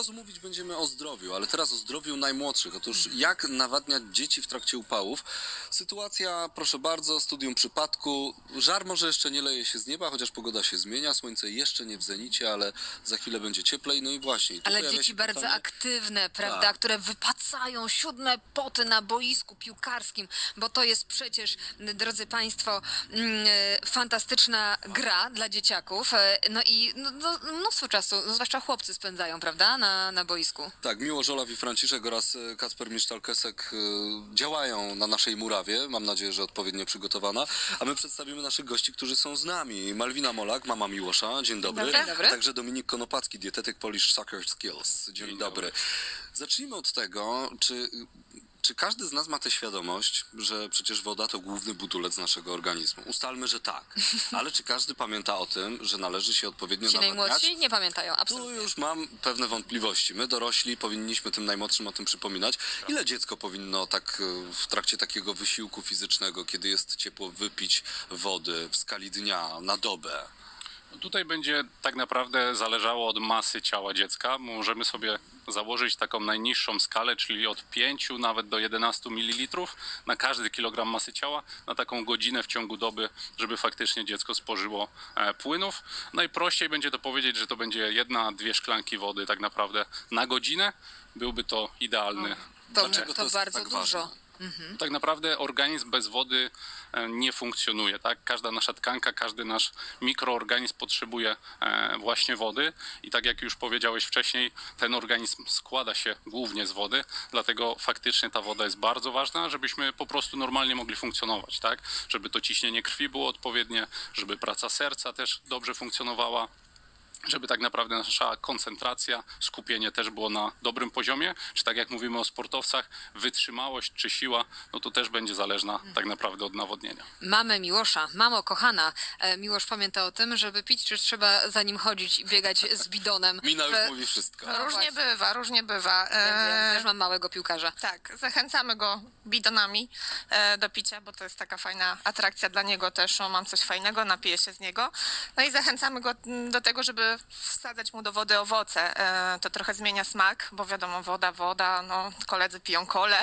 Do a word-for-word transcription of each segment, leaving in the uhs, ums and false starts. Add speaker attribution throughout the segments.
Speaker 1: razu mówić będziemy o zdrowiu, ale teraz o zdrowiu najmłodszych. Otóż jak nawadniać dzieci w trakcie upałów? Sytuacja, proszę bardzo, studium przypadku. Żar może jeszcze nie leje się z nieba, chociaż pogoda się zmienia, słońce jeszcze nie w zenicie, ale za chwilę będzie cieplej. No i właśnie. i tu
Speaker 2: Ale
Speaker 1: pojawia
Speaker 2: dzieci
Speaker 1: się
Speaker 2: bardzo
Speaker 1: pytanie,
Speaker 2: aktywne, prawda,
Speaker 1: Tak.
Speaker 2: które wypacają siódme poty na boisku piłkarskim, bo to jest przecież, drodzy Państwo, mm, e, fantastyczna gra dla dzieciaków. E, No i no, no, mnóstwo czasu, no, zwłaszcza chłopcy spędzają, prawda, na, na boisku.
Speaker 1: Tak, Miłosz Olaw i Franciszek oraz e, Kacper Misztalkesek e, działają na naszej murawie. Mam nadzieję, że odpowiednio przygotowana. A my przedstawimy naszych gości, którzy są z nami. Malwina Molak, mama Miłosza. Dzień dobry.
Speaker 2: dobry. Dzień dobry.
Speaker 1: A także Dominik Konopacki, dietetyk Polish Soccer Skills. Dzień,
Speaker 3: Dzień
Speaker 1: dobry.
Speaker 3: dobry.
Speaker 1: Zacznijmy od tego, czy... Czy każdy z nas ma tę świadomość, że przecież woda to główny budulec naszego organizmu? Ustalmy, że tak. Ale czy każdy pamięta o tym, że należy się odpowiednio
Speaker 2: Ci
Speaker 1: nawadniać?
Speaker 2: najmłodsi nie pamiętają,
Speaker 1: Tu
Speaker 2: absolutnie.
Speaker 1: już mam pewne wątpliwości. My dorośli powinniśmy tym najmłodszym o tym przypominać. Ile dziecko powinno tak e, w trakcie takiego wysiłku fizycznego, kiedy jest ciepło, wypić wody w skali dnia na dobę?
Speaker 3: Tutaj będzie tak naprawdę zależało od masy ciała dziecka. Możemy sobie założyć taką najniższą skalę, czyli od pięciu nawet do jedenastu mililitrów na każdy kilogram masy ciała, na taką godzinę w ciągu doby, żeby faktycznie dziecko spożyło e, płynów. Najprościej będzie to powiedzieć, że to będzie jedna, dwie szklanki wody tak naprawdę na godzinę. Byłby to idealny.
Speaker 2: To,
Speaker 1: Dlaczego to
Speaker 2: to
Speaker 1: jest
Speaker 2: bardzo
Speaker 1: tak
Speaker 2: dużo.
Speaker 1: ważne?
Speaker 3: Tak naprawdę organizm bez wody e, nie funkcjonuje, tak? Każda nasza tkanka, każdy nasz mikroorganizm potrzebuje e, właśnie wody i tak jak już powiedziałeś wcześniej, ten organizm składa się głównie z wody, dlatego faktycznie ta woda jest bardzo ważna, żebyśmy po prostu normalnie mogli funkcjonować, tak? Żeby to ciśnienie krwi było odpowiednie, żeby praca serca też dobrze funkcjonowała, żeby tak naprawdę nasza koncentracja, skupienie też było na dobrym poziomie, czy tak jak mówimy o sportowcach, wytrzymałość czy siła, no to też będzie zależna tak naprawdę od nawodnienia.
Speaker 2: Mamy Miłosza, mamo kochana, e, Miłosz pamięta o tym, żeby pić, czy trzeba za nim chodzić i biegać z bidonem?
Speaker 1: Mina już
Speaker 2: E,
Speaker 1: mówi wszystko.
Speaker 2: No
Speaker 4: Różnie
Speaker 2: właśnie.
Speaker 4: bywa, różnie bywa.
Speaker 2: Ja wiem,
Speaker 4: E,
Speaker 2: też mam małego piłkarza.
Speaker 4: Tak, zachęcamy go bidonami e, do picia, bo to jest taka fajna atrakcja dla niego też. O, mam coś fajnego, napiję się z niego. No i zachęcamy go mm, do tego, żeby wsadzać mu do wody owoce. E, to trochę zmienia smak, bo wiadomo, woda, woda, no koledzy piją kolę.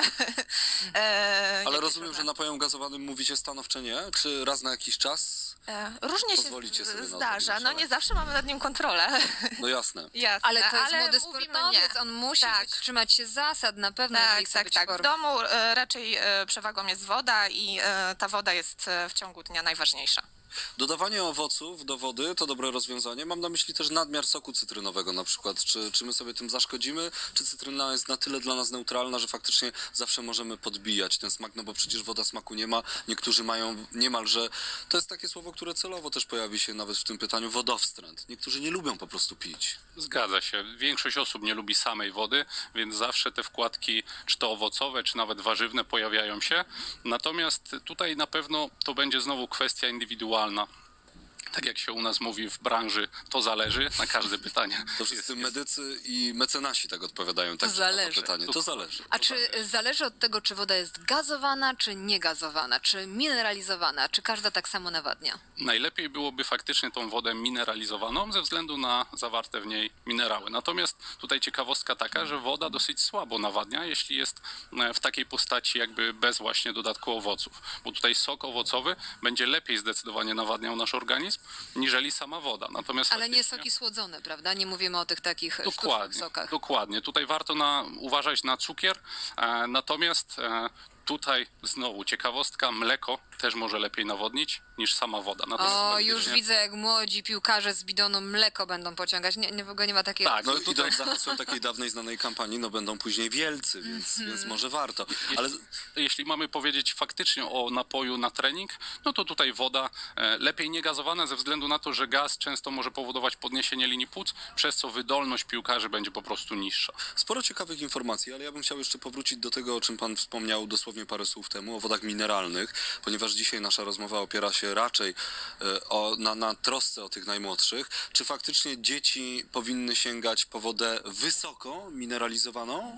Speaker 4: e,
Speaker 1: Ale
Speaker 4: jakieś
Speaker 1: rozumiem,
Speaker 4: różne-
Speaker 1: że napojem gazowanym mówicie stanowcze nie? Czy raz na jakiś czas?
Speaker 4: E, różnie
Speaker 1: pozwolicie
Speaker 4: się
Speaker 1: sobie na
Speaker 4: zdarza.
Speaker 1: odrobinę
Speaker 4: No nie zawsze mamy nad nim kontrolę.
Speaker 1: No jasne.
Speaker 4: Jasne,
Speaker 2: Ale to jest młody
Speaker 4: mówimy
Speaker 2: sportowiec,
Speaker 4: nie.
Speaker 2: on musi
Speaker 4: Tak.
Speaker 2: być, trzymać się zasad na pewno, jeżeli
Speaker 4: Tak,
Speaker 2: chce
Speaker 4: tak,
Speaker 2: być
Speaker 4: tak.
Speaker 2: w
Speaker 4: W
Speaker 2: formie.
Speaker 4: domu e, raczej e, przewagą jest woda i e, ta woda jest e, w ciągu dnia najważniejsza.
Speaker 1: Dodawanie owoców do wody to dobre rozwiązanie. Mam na myśli też nadmiar soku cytrynowego na przykład. Czy, czy my sobie tym zaszkodzimy? Czy cytryna jest na tyle dla nas neutralna, że faktycznie zawsze możemy podbijać ten smak? No bo przecież woda smaku nie ma. Niektórzy mają niemalże... To jest takie słowo, które celowo też pojawi się nawet w tym pytaniu. Wodowstręt. Niektórzy nie lubią po prostu pić.
Speaker 3: Zgadza się. Większość osób nie lubi samej wody, więc zawsze te wkładki, czy to owocowe, czy nawet warzywne pojawiają się. Natomiast tutaj na pewno to będzie znowu kwestia indywidualna. Tak jak się u nas mówi w branży, to zależy na każde pytanie.
Speaker 1: To wszyscy medycy i mecenasi tak odpowiadają. Tak,
Speaker 2: zależy.
Speaker 1: Na to pytanie. To zależy.
Speaker 2: A czy zależy od tego, czy woda jest gazowana, czy niegazowana, czy mineralizowana, czy każda tak samo nawadnia?
Speaker 3: Najlepiej byłoby faktycznie tą wodę mineralizowaną ze względu na zawarte w niej minerały. Natomiast tutaj ciekawostka taka, że woda dosyć słabo nawadnia, jeśli jest w takiej postaci jakby bez właśnie dodatku owoców. Bo tutaj sok owocowy będzie lepiej zdecydowanie nawadniał nasz organizm, niżeli sama woda. Natomiast
Speaker 2: Ale nie
Speaker 3: faktycznie-
Speaker 2: soki słodzone, prawda? Nie mówimy o tych takich sztucznych
Speaker 3: Dokładnie,
Speaker 2: sokach.
Speaker 3: dokładnie. Tutaj warto na, uważać na cukier, e, natomiast e, tutaj znowu ciekawostka, mleko też może lepiej nawodnić niż sama woda. Natomiast
Speaker 2: O,
Speaker 3: faktycznie-
Speaker 2: już widzę, jak młodzi piłkarze z bidonu mleko będą pociągać. Nie, nie w ogóle nie ma takiego...
Speaker 3: Tak,
Speaker 1: No
Speaker 3: no
Speaker 1: i
Speaker 3: tutaj
Speaker 1: idąc za hasłem takiej dawnej znanej kampanii, no będą później wielcy, więc, więc może warto. Ale
Speaker 3: jeśli mamy powiedzieć faktycznie o napoju na trening, no to tutaj woda e, lepiej nie gazowana ze względu na to, że gaz często może powodować podniesienie linii płuc, przez co wydolność piłkarzy będzie po prostu niższa.
Speaker 1: sporo ciekawych informacji, ale ja bym chciał jeszcze powrócić do tego, o czym pan wspomniał dosłownie parę słów temu, o wodach mineralnych, ponieważ dzisiaj nasza rozmowa opiera się raczej e, o, na, na trosce o tych najmłodszych. Czy faktycznie dzieci powinny sięgać po wodę wysoko mineralizowaną?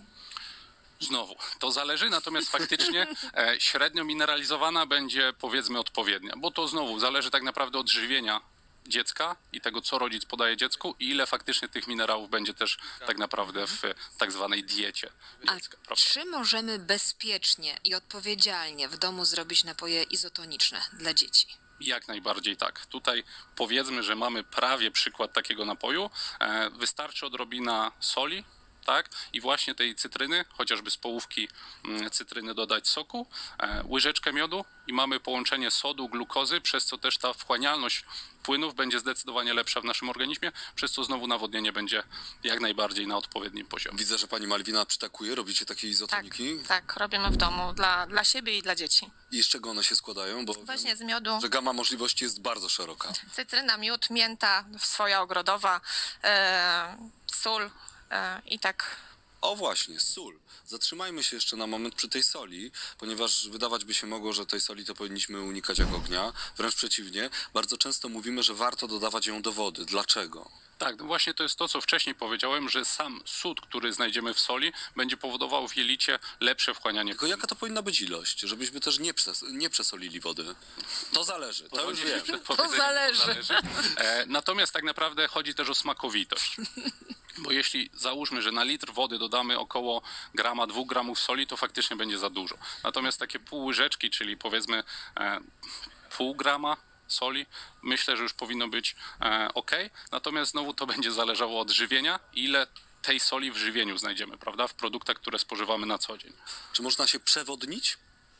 Speaker 3: Znowu, to zależy, natomiast faktycznie e, średnio mineralizowana będzie powiedzmy odpowiednia, bo to znowu zależy tak naprawdę od żywienia dziecka i tego, co rodzic podaje dziecku i ile faktycznie tych minerałów będzie też tak naprawdę w tak zwanej diecie
Speaker 2: A
Speaker 3: dziecka. Prawda?
Speaker 2: czy możemy bezpiecznie i odpowiedzialnie w domu zrobić napoje izotoniczne dla dzieci?
Speaker 3: Jak najbardziej tak. Tutaj powiedzmy, że mamy prawie przykład takiego napoju. E, Wystarczy odrobina soli, tak? I właśnie tej cytryny, chociażby z połówki mm, cytryny dodać soku, e, łyżeczkę miodu i mamy połączenie sodu, glukozy, przez co też ta wchłanialność płynów będzie zdecydowanie lepsza w naszym organizmie, przez co znowu nawodnienie będzie jak najbardziej na odpowiednim poziomie.
Speaker 1: Widzę, że pani Malwina przytakuje, robicie takie
Speaker 4: Tak,
Speaker 1: izotoniki.
Speaker 4: tak, robimy w domu dla, dla siebie i dla dzieci.
Speaker 1: I z czego one się składają? Bo
Speaker 4: Właśnie
Speaker 1: wiem,
Speaker 4: z miodu,
Speaker 1: że gama możliwości jest bardzo szeroka.
Speaker 4: cytryna, miód, mięta, swoja ogrodowa, e, sól e, i tak.
Speaker 1: O właśnie, sól. Zatrzymajmy się jeszcze na moment przy tej soli, ponieważ wydawać by się mogło, że tej soli to powinniśmy unikać jak ognia. Wręcz przeciwnie, bardzo często mówimy, że warto dodawać ją do wody. Dlaczego?
Speaker 3: Tak, no właśnie to jest to, co wcześniej powiedziałem, że sam sód, który znajdziemy w soli, będzie powodował w jelicie lepsze wchłanianie
Speaker 1: Tylko jaka to powinna być ilość, żebyśmy też nie, przes nie przesolili wody? To zależy, to już wiem.
Speaker 3: Przed powiedzeniem,
Speaker 2: zależy.
Speaker 3: E, natomiast tak naprawdę chodzi też o smakowitość. Bo jeśli załóżmy, że na litr wody dodamy około grama, dwóch gramów soli, to faktycznie będzie za dużo. Natomiast takie pół łyżeczki, czyli powiedzmy e, pół grama soli, myślę, że już powinno być e, ok. Natomiast znowu to będzie zależało od żywienia, ile tej soli w żywieniu znajdziemy, prawda? W produktach, które spożywamy na co dzień.
Speaker 1: Czy można się przewodnić?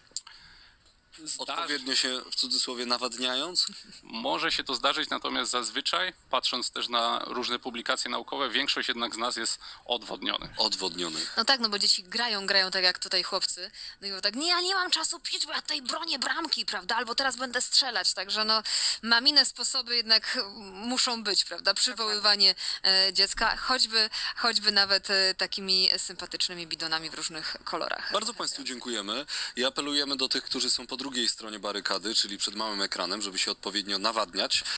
Speaker 1: Odpowiednio się, w cudzysłowie, nawadniając?
Speaker 3: Może się to zdarzyć, natomiast zazwyczaj, patrząc też na różne publikacje naukowe, większość jednak z nas jest odwodniony.
Speaker 1: Odwodniony.
Speaker 2: No tak, no bo dzieci grają, grają tak jak tutaj chłopcy. No i mówią tak, nie, ja nie mam czasu pić, bo ja tutaj bronię bramki, prawda? Albo teraz będę strzelać. Także no, mamine sposoby jednak muszą być, prawda? Przywoływanie e, dziecka, choćby, choćby nawet e, takimi sympatycznymi bidonami w różnych kolorach.
Speaker 1: Bardzo Państwu dziękujemy i apelujemy do tych, którzy są po drugiej stronie barykady, czyli przed małym ekranem, żeby się odpowiednio nawadniać.